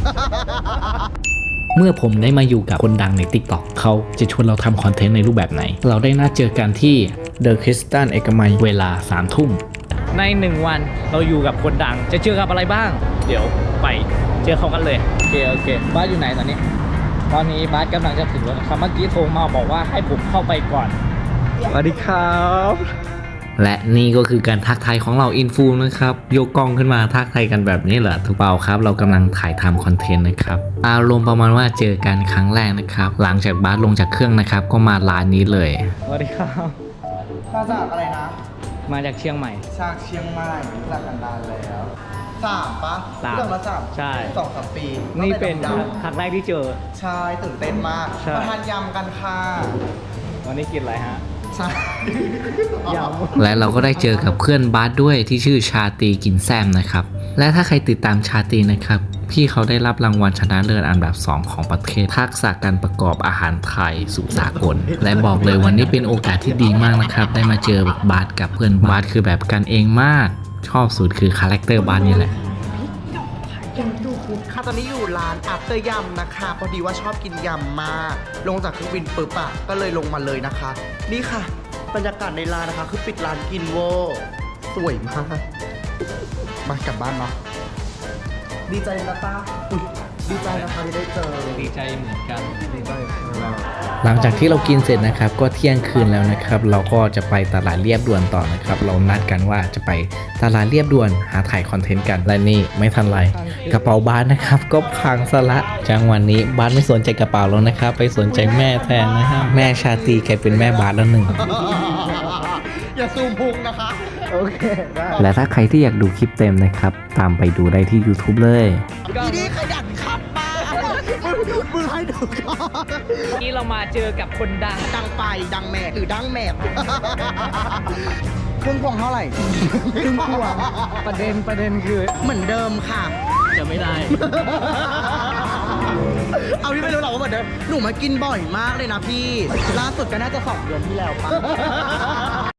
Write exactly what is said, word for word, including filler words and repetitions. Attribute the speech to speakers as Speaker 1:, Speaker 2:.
Speaker 1: เมื่อผมได้มาอยู่กับคนดังใน ติ๊กต็อก เขาจะชวนเราทำคอนเทนต์ในรูปแบบไหนเราได้นัดเจอกันที่ เดอะ คริสตัล เอกมัยเวลาสามทุ่มในหนึ่งวันเราอยู่กับคนดังจะเจอกับอะไรบ้างเดี๋ยวไปเจอเขากันเลยโอเคโอเคบ้านอยู่ไหนตอนนี้ตอนนี้บ้านกำลังจะถึงแล้วครับเมื่อกี้โทรมาบอกว่าให้ผมเข้าไปก่อนสวัสดีครับและนี่ก็คือการทักทายของเราอินฟูนะครับยกกล้องขึ้นมาทักทายกันแบบนี้เหรอถูกเปล่าครับเรากำลังถ่ายทำคอนเทนต์นะครับอารมณ์ประมาณว่าเจอกันครั้งแรกนะครับหลังจากบาสลงจากเครื่องนะครับก็มาร้านนี้เลยสวัสดีครับ
Speaker 2: มาจากอะไรนะ
Speaker 1: มาจากเชียงใหม่
Speaker 2: จากเชียงใหม่รู้จักกันนานแล้วสามปะ
Speaker 1: สาม
Speaker 2: มาสาม
Speaker 1: ใช่
Speaker 2: สองสามปี
Speaker 1: นี่เป็นครั้งแรกที่เจอ
Speaker 2: ใช่ตื่นเต้นมากมาทานยำกันค่ะ
Speaker 1: วันนี้กินอะไรฮะ
Speaker 2: ใช่
Speaker 1: และเราก็ได้เจอกับเพื่อนบาสด้วยที่ชื่อชาตรีกินแซมนะครับและถ้าใครติดตามชาตรีนะครับพี่เขาได้รับรางวัลชนะเลิศอันดับสองของประเทศทักษะการประกอบอาหารไทยสู่สากลและบอกเลยวันนี้เป็นโอกาสที่ดีมากนะครับได้มาเจอบาสกับเพื่อนบาสคือแบบกันเองมากชอบสุดคือคาแรคเตอร์บาสนี่แหละ
Speaker 2: ค่ะตอนนี้อยู่ร้านอัปเตอร์ยำนะคะพอดีว่าชอบกินยำมากลงจากเครื่องบินปุ๊บอะก็เลยลงมาเลยนะคะนี่ค่ะบรรยากาศในร้านนะคะคือปิดร้านกินโวสวยมากมากลับบ้านเนาะดีใจนะป้าดีใจนะคะที่ได้เจอ
Speaker 1: ดีใจเหมือนกัน
Speaker 2: ดีใจ
Speaker 1: หลังจากที่เรากินเสร็จนะครับก็เที่ยงคืนแล้วนะครับเราก็จะไปตลาดเรียบด่วนต่อนะครับเรานัดกันว่าจะไปตลาดเรียบด่วนหาถ่ายคอนเทนต์กันและนี่ไม่ทันไรกระเป๋าบาสนะครับก็พังซะละจังวันนี้บาสไม่สนใจกระเป๋าแล้วนะครับไปสนใจแม่แทนนะฮะแม่ชาตรีแกเป็นแม่บาสแล้วหนึ่ง
Speaker 2: อย่าซูมพุงนะคะโอเคได้
Speaker 1: และถ้าใครที่อยากดูคลิปเต็มนะครับตามไปดูได้ที่ ยูทูบ เลย
Speaker 2: ทีนี้ขยันขับมามือให้ดูก่อน
Speaker 1: นี่เรามาเจอกับคนดัง
Speaker 2: ดังไปดังแม่หรือดังแม่เครื่องพวงเท่าไหร่
Speaker 1: เครื่องพวงประเด็นประเด็นคือ
Speaker 2: เหมือนเดิมค่ะ
Speaker 1: จะไม่ได้
Speaker 2: เอาพี่ไม่รู้หรอกว่าเหมือนเดิมหนูมากินบ่อยมากเลยนะพี่ล่าสุดก็น่าจะสองเดือนที่แล้วป่ะ